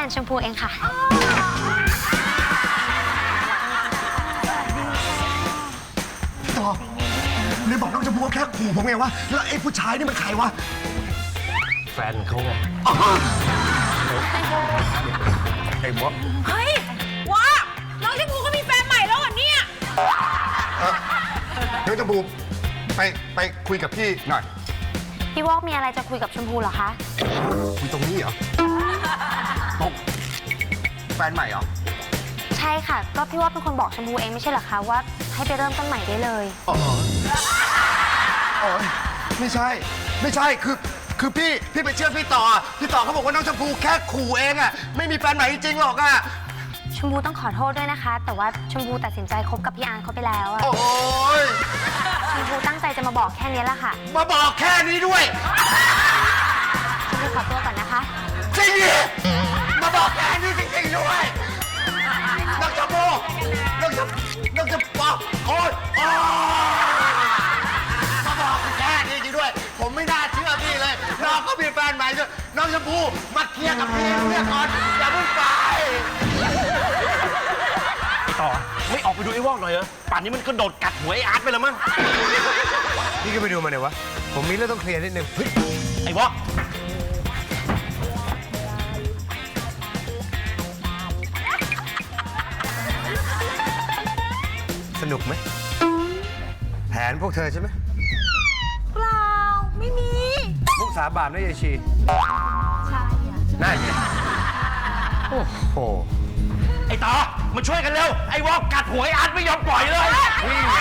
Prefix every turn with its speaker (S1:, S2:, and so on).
S1: นชมพูเองค่ะ
S2: ต่อเลยบอกน้องชมพู่ว่าแค่ขู่ผมไงวะแล้วไอ้ผู้ชายนี่มันใครวะ
S3: แฟนเขาไง
S2: ไอ้บ๊อบ
S4: เฮ้ยว้าน้องชมพูก็มีแฟนใหม่แล้วเหรอเนี่ย
S2: น้องชมพู่ไปคุยกับพี่หน่อย
S1: พี่วอกมีอะไรจะคุยกับชมพูเหรอคะ
S2: คุยตรงนี้เหรอตกแฟนใหม่เหรอ
S1: ใช่ค่ะ ก็พี่วอกเป็นคนบอกชมพูเองไม่ใช่เหรอคะว่าให้ไปเริ่มต้นใหม่ได้เลย
S2: อ๋อไม่ใช่คือพี่ไปเชื่อพี่ต่อเขาบอกว่าน้องชมพู่แค่ขู่เองอะไม่มีแฟนใหม่จริงๆหรอกอะ
S1: ชมพูต้องขอโทษด้วยนะคะ แต่ว่าชมพูตัดสินใจคบกับพี่อาร์ตเขาไปแล้วอะ
S2: โอ้ย
S1: ชมพูตั้งใจจะมาบอกแค่นี้แหละค่ะ
S2: มาบอกแค่นี้ด้วย
S1: ชมพูขอตัวก่อนนะคะ
S2: จริงดิมาบอกแค่นี้จริงๆด้วยน้องชมพู่น้องชมพู่โอ๊ยมาบอกแค่นี้จริงด้วย ผมไม่น่าเชื่อพี่เลยน้องก็มีแฟนใหม่ด้วยน้องชมพู่มาเคลียร์กับพี่เนี่ยก่อนอย่าเพิ่งไป
S3: ต่อไม่ออกไปดูไอ้วอกหน่อยเหรอป่านนี้มันก็โดดกัดหัวไอ้อาร์ตไปแล้วมั้ง
S5: พี่ก็ไปดูมาเนี่ยวะ ผมมีเรื่องต้องเคลียร์นิดนึง
S3: ไอ้วอก
S5: สนุกไหม แผนพวกเธอใช่ไหม
S4: เปล่า ไม่มี
S5: มุกสาบานนะยายชี
S4: ใช่อะ
S5: น่าอย่างนี้โอ้โห
S3: ไอ้ต่อมาช่วยกันเร็วไอ้วอกกัดหัวไอ้อาร์ตไม่ยอมปล่อยเลย
S5: วิ่ง